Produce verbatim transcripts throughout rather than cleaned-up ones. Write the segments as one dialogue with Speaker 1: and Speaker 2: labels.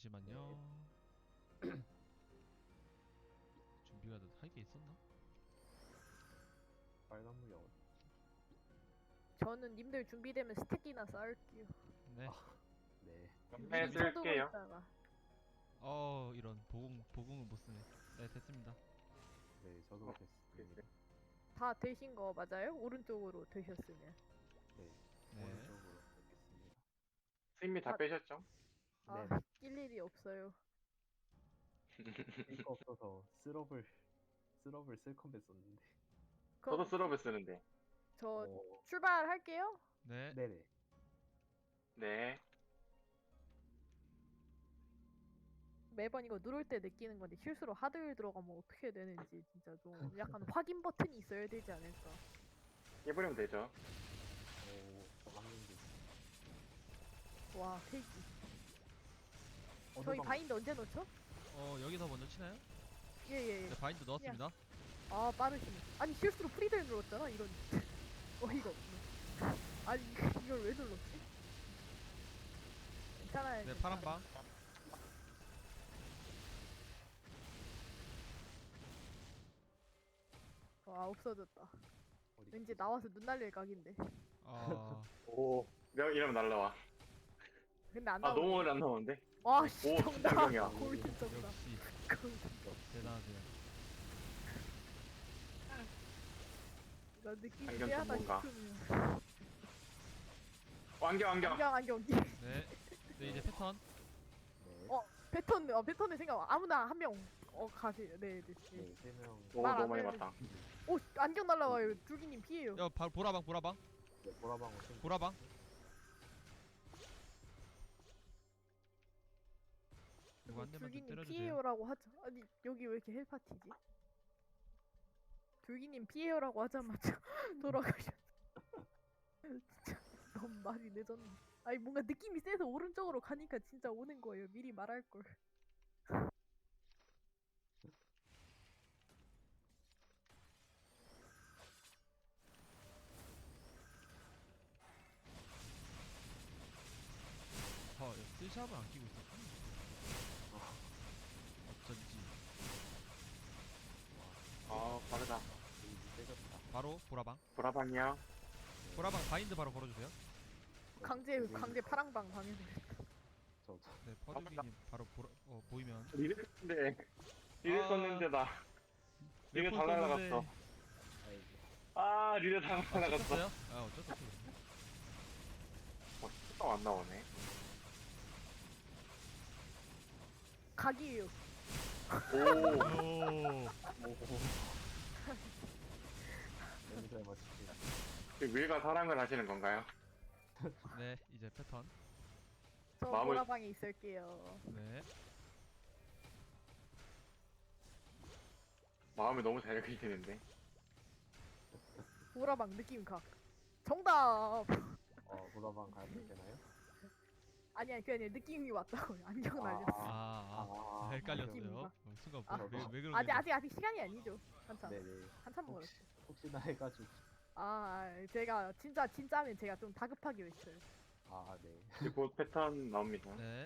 Speaker 1: 잠시만요. 준비가 할 게 있었나?
Speaker 2: 빨간 물이 어디?
Speaker 3: 저는 님들 준비되면 스택이나 쌓을게요.
Speaker 1: 네.
Speaker 2: 네.
Speaker 3: 미리
Speaker 4: 네,
Speaker 3: 쳐두고
Speaker 4: 쓸게요.
Speaker 3: 있다가.
Speaker 1: 어 이런 보공 보공을 못 쓰네. 네 됐습니다.
Speaker 2: 네, 저도
Speaker 4: 어,
Speaker 2: 됐습니다.
Speaker 3: 다 되신 거 맞아요? 오른쪽으로 되셨으면.
Speaker 2: 네,
Speaker 1: 네.
Speaker 2: 오른쪽으로 가겠습니다.
Speaker 4: 스님이 다
Speaker 3: 아.
Speaker 4: 빼셨죠?
Speaker 3: 아,
Speaker 2: 네.
Speaker 3: 낄 일이 없어요.
Speaker 2: 쓸거 없어서 스럽을 스럽을 쓸 컴퓨 썼는데.
Speaker 4: 저도
Speaker 3: 그럼
Speaker 4: 스럽을 쓰는데.
Speaker 3: 저
Speaker 2: 어,
Speaker 3: 출발할게요.
Speaker 1: 네.
Speaker 2: 네네.
Speaker 4: 네.
Speaker 3: 매번 이거 누를 때 느끼는 건데 실수로 하드 들어가면 어떻게 되는지 진짜 좀 약간 확인 버튼이 있어야 되지 않을까.
Speaker 4: 해버리면 되죠.
Speaker 2: 오, 저 한명도
Speaker 3: 와, 세기. 저희 바인드 언제 넣죠?
Speaker 1: 어 여기서 먼저 치나요?
Speaker 3: 예예 예.
Speaker 1: 네 바인드 넣었습니다.
Speaker 3: 아 빠르시네. 아니 실수로 프리딜 눌렀잖아 이런. 어이가 없네. 아니 이걸 왜 눌렀지? 괜찮아요.
Speaker 1: 네 파란 방.
Speaker 3: 아 없어졌다.
Speaker 2: 어디
Speaker 3: 왠지 나와서 눈 날릴 각인데.
Speaker 1: 아
Speaker 4: 오. 내가 이러면 날라와.
Speaker 3: 근데 안
Speaker 4: 아,
Speaker 3: 나오네.
Speaker 4: 너무 오래 안 나오는데?
Speaker 3: 와 씨,
Speaker 4: 오,
Speaker 3: 정답.
Speaker 4: 정답이야.
Speaker 3: 골든 정답.
Speaker 1: 역시
Speaker 3: 골든.
Speaker 1: 대단하세요.
Speaker 3: 나 느낌이
Speaker 4: 안경
Speaker 3: 쎄하다
Speaker 4: 전문가.
Speaker 3: 싶으면.
Speaker 4: 어, 안경, 안경.
Speaker 3: 안경 안경.
Speaker 1: 네. 네 이제 패턴.
Speaker 2: 네.
Speaker 3: 어 패턴 어 패턴의 생각 아무나 한 명 어 가세요. 네 네. 네.
Speaker 2: 네, 세 명.
Speaker 4: 오,
Speaker 3: 말안
Speaker 4: 너무 많이
Speaker 3: 해도
Speaker 4: 봤다.
Speaker 3: 오 안경 날라와요. 줄기님 피해요.
Speaker 1: 야 바로 보라방 보라방
Speaker 2: 네, 보라방울 챙겨.
Speaker 1: 보라방. 이거 한 대만 좀
Speaker 3: 줄기님
Speaker 1: 때려주세요.
Speaker 3: 피해요라고 하자. 아니 여기 왜 이렇게 헬파티지? 줄기님 피해요라고 하자마자 돌아가셨어. 진짜 너무 말이 늦었네. 아니 뭔가 느낌이 세서 오른쪽으로 가니까 진짜 오는 거예요. 미리 말할 걸.
Speaker 1: 어, 야, 스샵을 안 끼고 있었구나. 어쩐지.
Speaker 4: 아, 빠르다.
Speaker 2: 이 세졌다.
Speaker 1: 바로 보라방.
Speaker 4: 보라방이요.
Speaker 1: 보라방 바인드 바로 걸어주세요.
Speaker 3: 강제 강제 파랑방 방해돼.
Speaker 2: 저, 저.
Speaker 1: 네 퍼즐기님 바로 보라, 어, 보이면.
Speaker 4: 리드 썼는데. 리드
Speaker 1: 아.
Speaker 4: 썼는데, 나. 리드
Speaker 1: 몇
Speaker 4: 다
Speaker 1: 번
Speaker 4: 날라갔어.
Speaker 1: 썼는데.
Speaker 2: 아이고.
Speaker 4: 아, 리드 다
Speaker 1: 아,
Speaker 4: 날라갔어.
Speaker 1: 찍혔어요? 아 어쩔 수 없어.
Speaker 4: 어, 또 안 나오네.
Speaker 3: 각이에요.
Speaker 4: 오.
Speaker 1: 오.
Speaker 2: 너무 잘 맞추지.
Speaker 4: 그 wil과 사랑을 하시는 건가요?
Speaker 1: 네 이제 패턴.
Speaker 3: 저
Speaker 4: 마음을-
Speaker 3: 보라방에 있을게요.
Speaker 1: 네.
Speaker 4: 마음을 너무 잘 읽으시는데.
Speaker 3: 보라방 느낌 각. 정답.
Speaker 2: 어, 보라방 가면 되나요?
Speaker 3: 아니 아니 그냥 느낌이 왔다고요. 안경
Speaker 2: 아.
Speaker 3: 날렸어.
Speaker 1: 아, 아,
Speaker 2: 아,
Speaker 1: 헷갈렸어요.
Speaker 3: 느낌인가?
Speaker 1: 어, 순간
Speaker 3: 아.
Speaker 1: 왜, 왜 그러게?
Speaker 3: 아직 아직 아직 시간이 아니죠. 한참
Speaker 2: 네네.
Speaker 3: 한참 멀었어.
Speaker 2: 혹시, 혹시나 해가지고.
Speaker 3: 아 제가 진짜 진짜면 제가 좀 다급하게 외쳐요.
Speaker 2: 아, 네.
Speaker 4: 이제 곧 패턴 나옵니다.
Speaker 1: 네.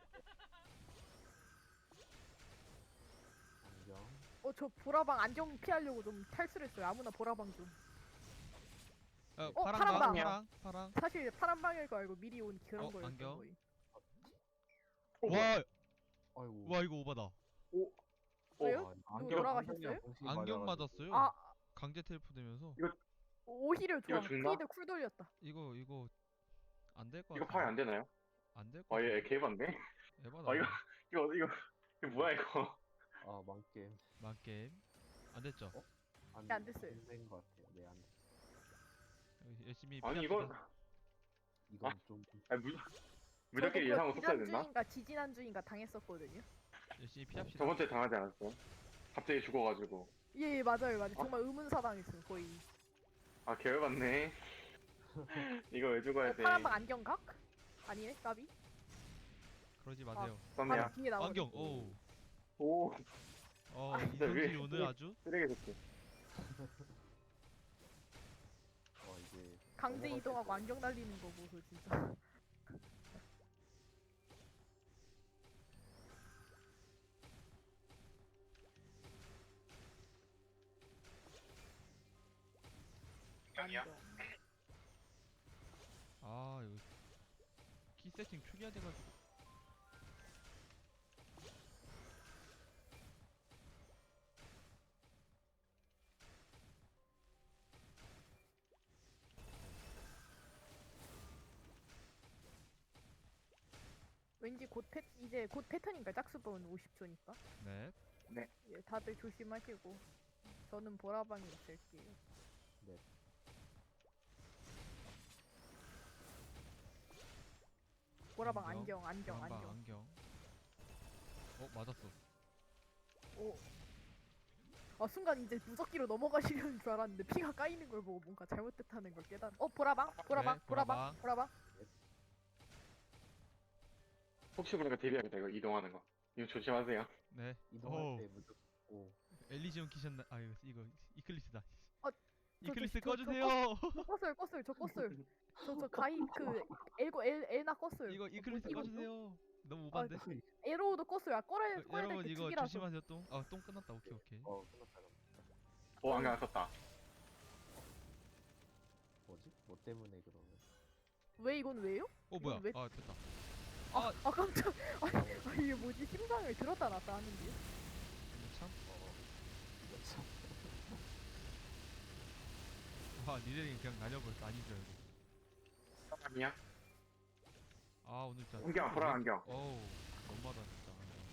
Speaker 2: 안경.
Speaker 3: 어 저 보라방 안경 피하려고 좀 탈출했어요. 아무나 보라방 좀.
Speaker 1: 어,
Speaker 3: 어,
Speaker 1: 파랑
Speaker 3: 파랑
Speaker 1: 방,
Speaker 4: 방.
Speaker 1: 파랑, 파랑.
Speaker 3: 사실 파란 방일 거 알고 미리 온 그런
Speaker 1: 어,
Speaker 3: 거였던
Speaker 1: 안경?
Speaker 3: 거예요.
Speaker 4: 오,
Speaker 1: 와,
Speaker 2: 아이고.
Speaker 1: 와 이거 오바다.
Speaker 4: 오.
Speaker 3: 왜요?
Speaker 2: 아,
Speaker 3: 누구 돌아가셨어요?
Speaker 2: 안경이랑 동시에
Speaker 1: 안경
Speaker 2: 맞아가지고.
Speaker 1: 맞았어요.
Speaker 3: 아
Speaker 1: 강제 텔프 되면서
Speaker 3: 오히려 좋아.
Speaker 4: 이거 죽나?
Speaker 3: 프리드 쿨 돌렸다.
Speaker 1: 이거 이거 안 될 것 같아.
Speaker 4: 이거 파괴 안 되나요?
Speaker 1: 안될 것
Speaker 4: 아,
Speaker 1: 같아.
Speaker 4: 얘 개반데?
Speaker 1: 에바다.
Speaker 4: 아, 이거, 이거, 이거, 이거 뭐야, 이거.
Speaker 2: 아, 망게임.
Speaker 1: 만게임 안 됐죠?
Speaker 2: 어? 안,
Speaker 3: 네, 안 됐어요.
Speaker 2: 된것 같아요. 네, 안 됐어요.
Speaker 1: 열심히.
Speaker 4: 아니,
Speaker 1: 피합시다.
Speaker 4: 이건,
Speaker 2: 이건
Speaker 4: 아.
Speaker 2: 좀.
Speaker 4: 아니, 무, 무적끼리
Speaker 3: 저도
Speaker 4: 예상
Speaker 3: 그
Speaker 4: 없었어야 됐나?
Speaker 3: 지난주인가 지지난주인가 당했었거든요.
Speaker 1: 열심히 피합시다.
Speaker 4: 저번주에 당하지 않았어? 갑자기 죽어가지고.
Speaker 3: 예, 예 맞아요 맞아요. 정말 의문사당했어요 거의.
Speaker 4: 아, 개열받네. 이거 왜 죽어야
Speaker 3: 어,
Speaker 4: 돼?
Speaker 3: 파란방 안경 각? 아니네 까비.
Speaker 1: 그러지 마세요.
Speaker 4: 썸네야.
Speaker 3: 바로 뒤에 나오네.
Speaker 1: 안경. 오.
Speaker 4: 오,
Speaker 1: 어
Speaker 4: 아, 진짜
Speaker 1: 이성질이
Speaker 4: 왜-
Speaker 1: 오늘
Speaker 4: 왜-
Speaker 1: 아주.
Speaker 4: 쓰레기 새끼.
Speaker 2: 어, 이제.
Speaker 3: 강제
Speaker 2: 넘어갈
Speaker 3: 이동하고
Speaker 2: 때
Speaker 3: 안경 날리는 거 보소 진짜.
Speaker 4: 안경이야?
Speaker 3: 안경.
Speaker 1: 아 이거 키 세팅 초기화 돼가지고.
Speaker 3: 왠지 곧 패, 이제 곧 패턴인가 짝수번 오십 초니까.
Speaker 1: 네.
Speaker 3: 예, 다들 조심하시고. 저는 보라방에 있을게요.
Speaker 2: 네.
Speaker 3: 보라방
Speaker 1: 안경,
Speaker 3: 안경, 안경,
Speaker 1: 보라방
Speaker 3: 안경.
Speaker 1: 안경. 어 맞았어.
Speaker 3: 오. 아 순간 이제 무적기로 넘어가시려는 줄 알았는데 피가 까이는 걸 보고 뭔가 잘못됐다는 걸 깨달은. 어 보라방, 보라방,
Speaker 1: 네,
Speaker 3: 보라방,
Speaker 1: 보라방.
Speaker 3: 보라방.
Speaker 4: 혹시 모르니까 데뷔하겠다 이거 이동하는 거. 이거 조심하세요.
Speaker 1: 네.
Speaker 2: 이동할
Speaker 1: 오
Speaker 2: 때 무조건 오.
Speaker 1: 엘리지온 키셨나? 아 이거 이거 이클리스다.
Speaker 3: 어, 저,
Speaker 1: 이클리스
Speaker 3: 저, 저, 저
Speaker 1: 꺼주세요.
Speaker 3: 저 껐어요, 껐어요, 저 껐어요. 저 저 가입 그 엘고 엘 엘나 껐어요.
Speaker 1: 이거
Speaker 3: 어,
Speaker 1: 이클리스
Speaker 3: 이거
Speaker 1: 꺼주세요. 너무
Speaker 3: 아,
Speaker 1: 오반데.
Speaker 3: 에로우도 껐어요. 아 꺼야
Speaker 1: 어,
Speaker 3: 꺼야
Speaker 1: 여러분
Speaker 3: 될게
Speaker 1: 이거
Speaker 3: 두 개라서.
Speaker 1: 조심하세요 똥. 아똥 끝났다. 오케이 오케이.
Speaker 2: 어 끝났다 끝났다.
Speaker 4: 오 안경 안 썼다.
Speaker 2: 뭐지? 뭐 때문에 그러면?
Speaker 3: 왜 이건 왜요?
Speaker 1: 어 뭐야?
Speaker 3: 왜-
Speaker 1: 아 됐다.
Speaker 3: 아,
Speaker 1: 아.
Speaker 3: 아 깜짝. 아, 아 이게 뭐지? 심장을 들었다 놨다 하는데.
Speaker 1: 이거 참.
Speaker 2: 어 이거 참.
Speaker 1: 아 니들이 그냥 날려버렸어. 아닌 줄 알고.
Speaker 4: 아니야?
Speaker 1: 아 오늘 진짜.
Speaker 4: 안경 보라 안경.
Speaker 1: 어우 너무하다 진짜.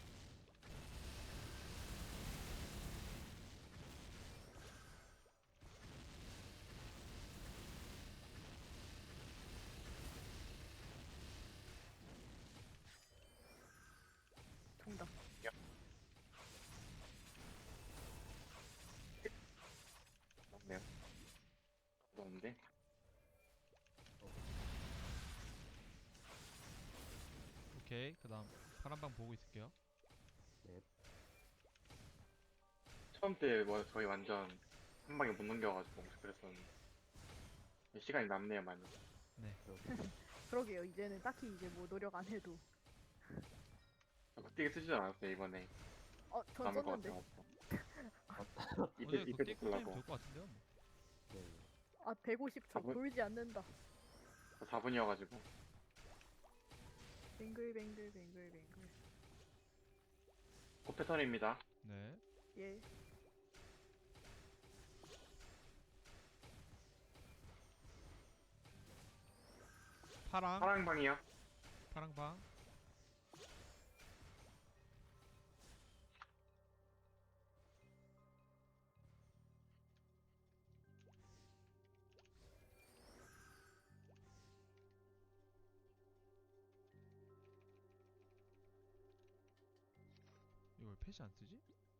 Speaker 3: 정답.
Speaker 4: 맞네요. 없는데.
Speaker 1: 오케이 그다음 파란방 보고 있을게요.
Speaker 4: 처음 때 뭐 저희 완전 한 방에 못 넘겨가지고 그랬었는데 시간이 남네요 많이.
Speaker 3: 그러게요. 이제는 딱히 이제 뭐 노력 안 해도.
Speaker 4: 극딜 쓰지도 않았어요 이번에.
Speaker 3: 어, 전
Speaker 4: 남을 것
Speaker 3: 썼는데.
Speaker 4: 같아서. 이때
Speaker 1: 오늘
Speaker 4: 이때
Speaker 1: 극딜 꿀잼
Speaker 4: 쓰려고.
Speaker 1: 될것 같은데요. 뭐.
Speaker 2: 네.
Speaker 3: 아, 백오십 초
Speaker 4: 아, 뭐-
Speaker 3: 돌지 않는다.
Speaker 4: 사 분이어가지고.
Speaker 3: 뱅글뱅글 뱅글뱅글.
Speaker 4: 곧 패턴입니다.
Speaker 1: 네.
Speaker 3: 예.
Speaker 1: 파랑
Speaker 4: 파랑 방이요.
Speaker 1: 파랑방. 이거 왜 패시 안 쓰지?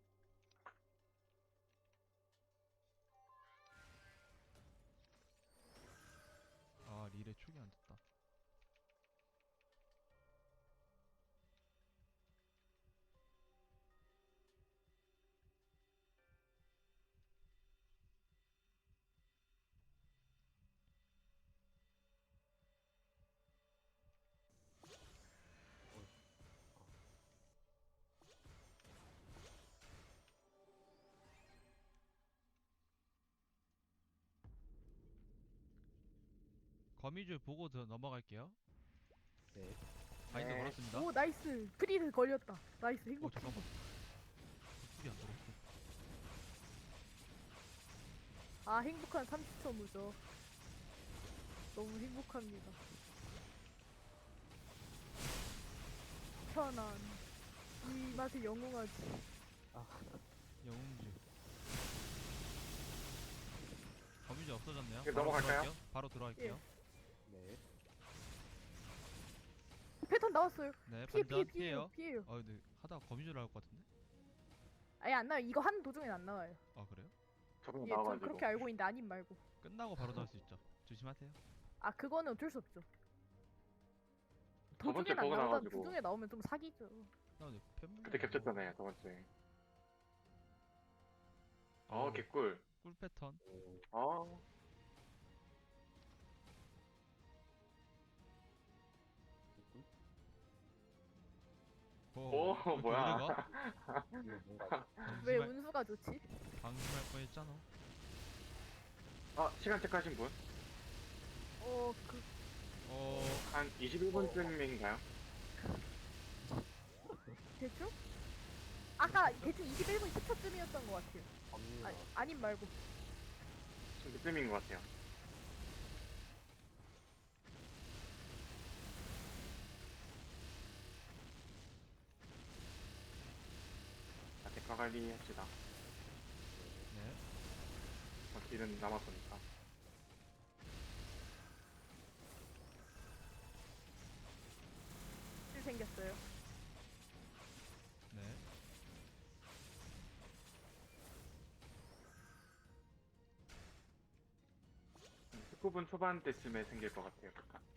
Speaker 1: 아 릴에 촉이 안 됐다. 거미줄 보고 더 넘어갈게요.
Speaker 2: 네.
Speaker 1: 바인드
Speaker 4: 네.
Speaker 1: 걸었습니다.
Speaker 3: 오, 나이스. 프리드 걸렸다. 나이스.
Speaker 1: 오
Speaker 3: 행복.
Speaker 1: 잠깐만. 촉이 안 걸었어.
Speaker 3: 아, 행복한 삼십 초 무죠. 너무 행복합니다. 편안. 이 맛에 영웅하지.
Speaker 1: 영웅주. 거미줄 없어졌네요.
Speaker 4: 이제
Speaker 1: 바로
Speaker 4: 넘어갈까요?
Speaker 1: 들어갈게요. 바로 들어갈게요.
Speaker 2: 네.
Speaker 3: 패턴 나왔어요.
Speaker 1: 네,
Speaker 3: 피해, 피해,
Speaker 1: 반전
Speaker 3: 피해요.
Speaker 1: 피해요.
Speaker 3: 피해요.
Speaker 1: 아 근데 하다가 거미줄 나올 것 같은데?
Speaker 3: 아예 안 나와요. 이거 하는 도중엔 안 나와요.
Speaker 1: 아 그래요?
Speaker 4: 저번에
Speaker 3: 예, 전
Speaker 4: 나와가지고.
Speaker 3: 그렇게 알고 있는데 아님 말고.
Speaker 1: 끝나고 바로 나올 수 있죠. 조심하세요.
Speaker 3: 아, 그거는 어쩔 수 없죠.
Speaker 4: 저번 주에
Speaker 3: 도중엔 안
Speaker 4: 버그
Speaker 3: 나오다
Speaker 4: 나와가지고.
Speaker 3: 도중에 나오면 좀 사기죠.
Speaker 1: 나 근데 팬분.
Speaker 4: 그때 겹쳤잖아요 저번 주에. 어
Speaker 1: 오.
Speaker 4: 개꿀.
Speaker 1: 꿀 패턴.
Speaker 2: 오.
Speaker 4: 어.
Speaker 1: 오,
Speaker 4: 오
Speaker 1: 왜 이렇게
Speaker 4: 뭐야.
Speaker 1: 오래가?
Speaker 2: 이거 뭔가
Speaker 3: 왜
Speaker 1: 방심할,
Speaker 3: 운수가 좋지?
Speaker 1: 방심할 뻔했잖아.
Speaker 4: 아, 시간 체크하신 분?
Speaker 3: 어, 그,
Speaker 1: 어
Speaker 4: 한 이십일 분쯤인가요?
Speaker 3: 대충? 아까 대충 이십일 분 십 초쯤이었던 것 같아요.
Speaker 2: 갑니다.
Speaker 3: 아니, 아님 말고.
Speaker 4: 좀 그쯤인 것 같아요. 자, 대가 관리 합시다.
Speaker 1: 네.
Speaker 4: 어, 길은 남았으니까.
Speaker 3: 실 생겼어요.
Speaker 1: 네.
Speaker 4: 십구 분 초반 때쯤에 생길 것 같아요.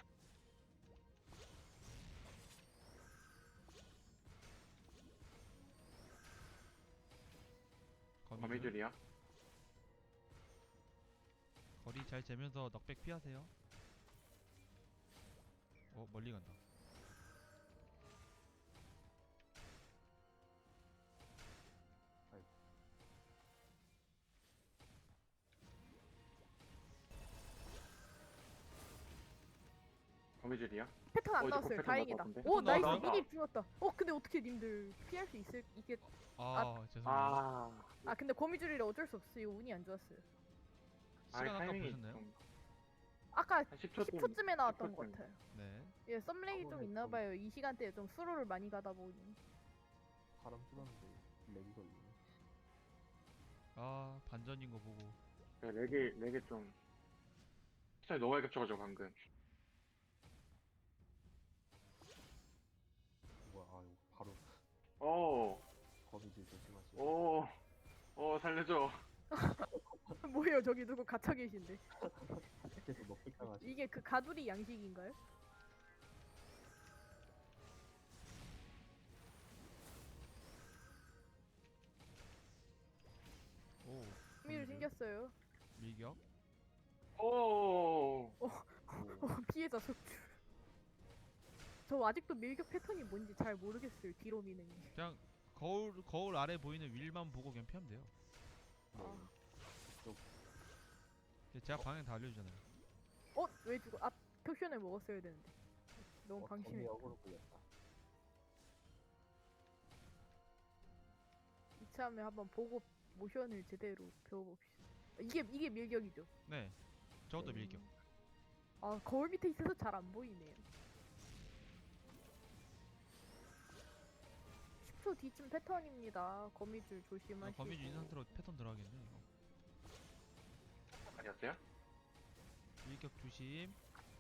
Speaker 1: 거미줄.
Speaker 4: 거미줄이요?
Speaker 1: 거리 잘 재면서 넉백 피하세요. 어 멀리 간다.
Speaker 4: 거미줄이요?
Speaker 3: 패턴 안
Speaker 4: 어, 이제
Speaker 3: 나왔어요.
Speaker 4: 패턴
Speaker 3: 다행이다.
Speaker 4: 나왔던데?
Speaker 3: 오,
Speaker 1: 패턴
Speaker 3: 나이스.
Speaker 1: 나왔다.
Speaker 3: 미리 죽었다. 어, 근데 어떻게 님들 피할 수 있을, 이게.
Speaker 1: 아, 죄송해요.
Speaker 4: 아,
Speaker 3: 아, 근데 거미줄이라 어쩔 수 없어요. 운이 안 좋았어요.
Speaker 4: 아,
Speaker 1: 시간 아까
Speaker 4: 타이밍이
Speaker 1: 보셨나요?
Speaker 4: 좀
Speaker 3: 아까
Speaker 4: 한 십 초쯤.
Speaker 3: 십 초쯤에 나왔던 것
Speaker 4: 십 초쯤.
Speaker 3: 같아요.
Speaker 1: 네.
Speaker 3: 예, 썸렉이 좀
Speaker 2: 저번에
Speaker 3: 있나
Speaker 2: 좀-
Speaker 3: 봐요. 이 시간대에 좀 수로를 많이 가다 보니.
Speaker 2: 바람 불었는데 렉이 걸리네.
Speaker 1: 아 반전인 거 보고.
Speaker 4: 네, 렉이, 렉이 좀. 시간이 너무 많이 겹쳐가지고, 방금.
Speaker 2: 뭐야, 아 이거 바로
Speaker 4: 오,
Speaker 2: 거미줄 조심하시고.
Speaker 4: 오, 오, 살려줘.
Speaker 3: 뭐예요? 저기 누구 갇혀 계신데.
Speaker 2: 계속 넉백 당하시.
Speaker 3: 이게 그 가두리 양식인가요?
Speaker 1: 오.
Speaker 3: 흥미를
Speaker 1: 거미줄.
Speaker 3: 생겼어요.
Speaker 1: 밀격.
Speaker 4: 오,
Speaker 3: 어, 피해자 속출. 저 아직도 밀격 패턴이 뭔지 잘 모르겠어요. 뒤로 미는 게.
Speaker 1: 그냥 거울 거울 아래 보이는 윌만 보고 그냥 피하면 돼요.
Speaker 2: 네.
Speaker 3: 아.
Speaker 1: 제가 방향 다 알려주잖아요.
Speaker 3: 어? 왜 죽어? 아, 표션을 먹었어야 되는데. 너무
Speaker 2: 어,
Speaker 3: 방심해.
Speaker 2: 거미 역으로 보였다.
Speaker 3: 이참에 한번 보고 모션을 제대로 배워봅시다. 이게 이게 밀격이죠.
Speaker 1: 네. 저것도
Speaker 2: 네.
Speaker 1: 밀격.
Speaker 3: 아, 거울 밑에 있어서 잘 안 보이네요. 십 초 뒤쯤 패턴입니다. 거미줄
Speaker 1: 아,
Speaker 3: 조심하시고.
Speaker 1: 거미줄 있는 상태로 패턴 들어가겠네 이거.
Speaker 4: 아니었어요?
Speaker 1: 밀격 조심.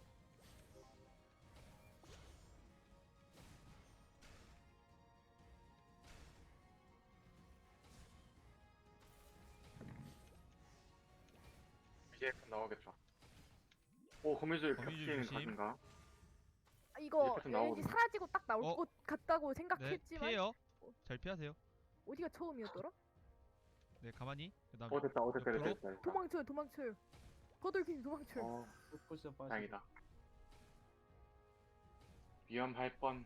Speaker 4: 이제 나오겠죠. 오, 거미줄
Speaker 1: 거미줄
Speaker 4: 겹치는
Speaker 1: 조심.
Speaker 4: 각인가?
Speaker 3: 아, 이거
Speaker 4: 이제 패턴
Speaker 3: 왠지
Speaker 4: 나오거든요.
Speaker 3: 사라지고 딱 나올
Speaker 1: 어?
Speaker 3: 것 같다고
Speaker 1: 네.
Speaker 3: 생각했지만
Speaker 1: 피해요. 잘 피하세요.
Speaker 3: 어디가 처음이었더라?
Speaker 1: 네 가만히. 그다음
Speaker 4: 어, 됐다, 어, 됐다, 됐다,
Speaker 1: 옆으로?
Speaker 4: 됐다. 됐다.
Speaker 3: 도망쳐요, 도망쳐요. 거들긴 도망쳐요.
Speaker 4: 어,
Speaker 2: 포지션 빠지고.
Speaker 4: 다행이다. 위험할 뻔.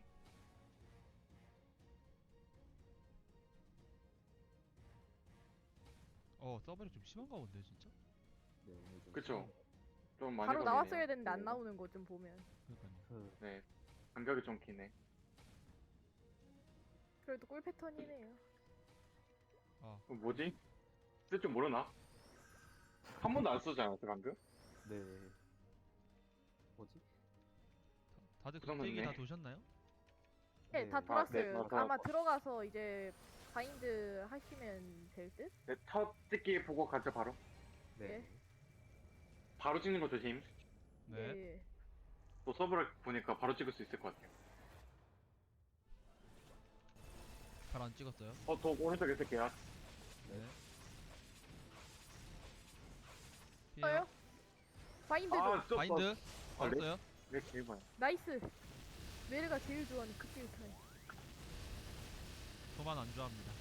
Speaker 1: 어 서버이 좀 심한가 본데 진짜.
Speaker 2: 네, 오늘 좀
Speaker 4: 그쵸?
Speaker 2: 심하네.
Speaker 4: 좀 많이
Speaker 3: 바로
Speaker 4: 걸리네요.
Speaker 3: 나왔어야 되는데 안
Speaker 4: 네.
Speaker 3: 나오는 거 좀 보면.
Speaker 1: 그러니까요.
Speaker 2: 그
Speaker 4: 네, 간격이 좀 기네.
Speaker 3: 그래도 꿀 패턴이네요.
Speaker 1: 아
Speaker 4: 어, 뭐지? 쓸 줄 모르나? 한 번도 안 쓰지 않았어, 방금?
Speaker 2: 네. 뭐지?
Speaker 1: 다들
Speaker 4: 그 정도는
Speaker 1: 극대기 다
Speaker 4: 네.
Speaker 1: 도셨나요?
Speaker 3: 네, 다
Speaker 2: 네.
Speaker 4: 아, 네,
Speaker 3: 돌았어요.
Speaker 4: 다
Speaker 3: 아마
Speaker 4: 돌았어.
Speaker 3: 들어가서 이제 바인드 하시면 될 듯?
Speaker 4: 네, 첫 찍기 보고 가죠, 바로.
Speaker 2: 네.
Speaker 3: 예.
Speaker 4: 바로 찍는 거 조심.
Speaker 1: 네.
Speaker 3: 네.
Speaker 4: 또 서브를 보니까 바로 찍을 수 있을 것 같아요.
Speaker 1: 발 안 찍었어요.
Speaker 4: 어, 더 오른쪽에 있을게요.
Speaker 1: 네.
Speaker 3: 써요?
Speaker 1: 피해요.
Speaker 3: 바인드도
Speaker 4: 아, 저,
Speaker 1: 바인드
Speaker 4: 아,
Speaker 1: 걸었어요.
Speaker 4: 네, 제일 봐요.
Speaker 3: 나이스. 메르가 제일 좋아하는 극딜 타임.
Speaker 1: 저만 안 좋아합니다.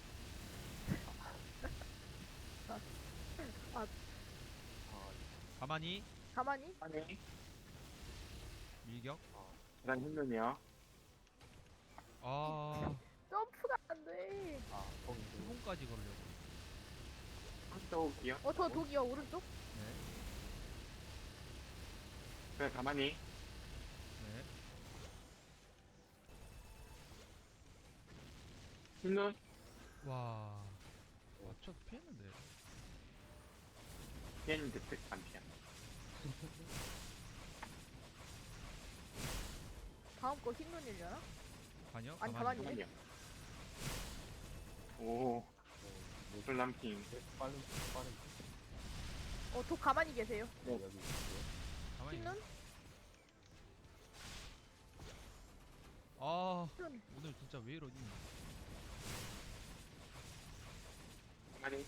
Speaker 2: 아,
Speaker 1: 가만히
Speaker 3: 가만히
Speaker 4: 아니,
Speaker 1: 밀격.
Speaker 4: 계단 힘든이요.
Speaker 1: 아
Speaker 3: 점프가 안 돼.
Speaker 2: 아, 거미
Speaker 1: 두 번까지 걸려고.
Speaker 4: 한쪽이요.
Speaker 3: 어, 저 독이요 오른쪽?
Speaker 1: 네.
Speaker 4: 그냥 가만히.
Speaker 1: 네.
Speaker 4: 흰눈.
Speaker 1: 와. 맞춰 피했는데.
Speaker 4: 피했는데 뜻, 안 피한.
Speaker 3: 다음 거 흰눈이려나?
Speaker 1: 아니요.
Speaker 3: 아니,
Speaker 1: 가만히.
Speaker 3: 가만히.
Speaker 4: 가만히요. 오,
Speaker 2: 어, 뭐,
Speaker 4: 술남핑.
Speaker 2: 빠른 빠른
Speaker 3: 어, 독 가만히 계세요.
Speaker 2: 네, 여기 있어요.
Speaker 1: 가만히.
Speaker 3: 흰눈?
Speaker 1: 아,
Speaker 3: 흰눈.
Speaker 1: 오늘 진짜 왜 이러니?
Speaker 4: 가만히.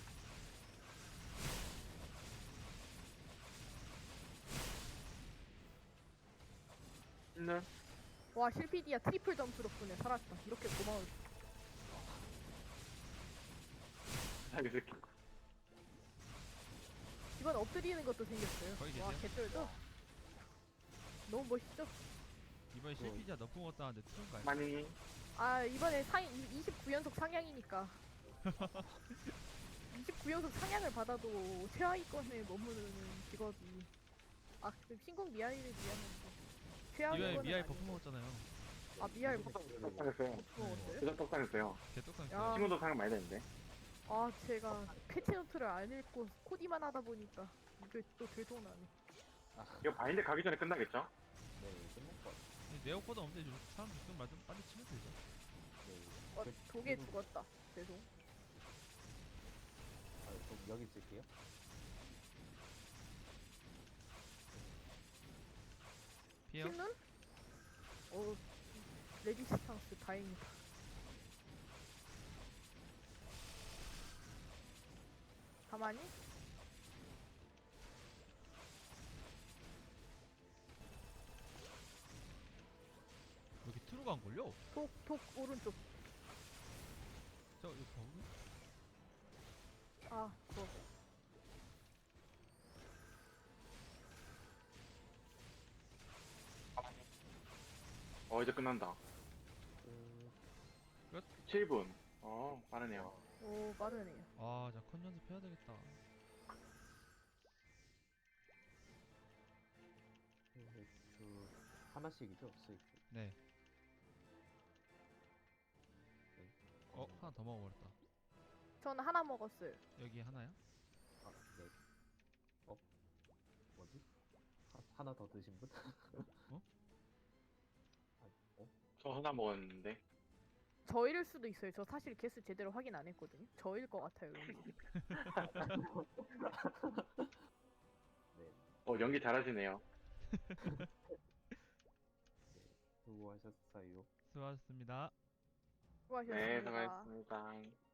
Speaker 4: 흰눈.
Speaker 3: 와, 실피디야 트리플 점프 덕분에 살았다. 이렇게 고마울.
Speaker 4: 자기 새끼.
Speaker 3: 이번 엎드리는 것도 생겼어요.
Speaker 1: 거기
Speaker 3: 와,
Speaker 1: 계세요?
Speaker 3: 개쩔죠? 너무 멋있죠?
Speaker 1: 이번에 실피자 너프 먹었다는데 트런가요?
Speaker 4: 가만히.
Speaker 3: 아, 이번에 상 이십구 연속 상향이니까. 이십구 연속 상향을 받아도 최하위권에 머무르는 직업이. 아, 그 신공 미아이를 미안한데.
Speaker 1: 이번에
Speaker 3: 최하위권은
Speaker 1: 미아이
Speaker 3: 아니고.
Speaker 1: 버프 먹었잖아요.
Speaker 3: 아, 미아이
Speaker 2: 무슨
Speaker 3: 버프
Speaker 2: 소리를
Speaker 4: 떡상했어요.
Speaker 3: 먹었어요?
Speaker 4: 진짜 떡상했어요.
Speaker 1: 개떡상
Speaker 3: 야.
Speaker 1: 야.
Speaker 4: 친구도 상을 많이 되는데.
Speaker 3: 아, 제가 패치노트를 안 읽고 코디만 하다 보니까 이게 또 들통나네.
Speaker 4: 이거 바인드 가기 전에 끝나겠죠?
Speaker 2: 네, 끝날 것 같아요.
Speaker 1: 네오코드 없는데 좀 사람 죽든 말든 빨리 치면 되죠.
Speaker 2: 네.
Speaker 3: 어,
Speaker 2: 그
Speaker 3: 독에
Speaker 2: 친구도-
Speaker 3: 죽었다. 죄송.
Speaker 2: 아, 그럼 여기 쓸게요.
Speaker 1: 피해요?
Speaker 3: 흰눈? 어, 레지스탕스 다행이다. 가만히?
Speaker 1: 여기 트루가 안 걸려?
Speaker 3: 독, 독 오른쪽.
Speaker 1: 저 이거 버그?
Speaker 3: 아, 그거.
Speaker 4: 어, 이제 끝난다.
Speaker 2: 그,
Speaker 4: 칠 분. 어, 빠르네요.
Speaker 3: 오, 빠르네요.
Speaker 1: 아, 자, 컨 연습해야 되겠다.
Speaker 2: 그, 그 하나씩이죠, 스위치.
Speaker 1: 네.
Speaker 2: 네.
Speaker 1: 어, 하나 더 먹어버렸다.
Speaker 3: 저는 하나 먹었어요.
Speaker 1: 여기 하나요?
Speaker 2: 아, 네. 어? 뭐지? 하, 하나 더 드신 분?
Speaker 1: 어?
Speaker 2: 아, 어?
Speaker 4: 저 하나 먹었는데.
Speaker 3: 저일 수도 있어요. 저 사실 개수 제대로 확인 안 했거든요. 저일 것 같아요, 왠지.
Speaker 2: 네.
Speaker 4: 어, 연기 잘하시네요.
Speaker 2: 수고하셨어요.
Speaker 1: 수고하셨습니다.
Speaker 3: 수고하셨습니다.
Speaker 4: 네, 수고하셨습니다.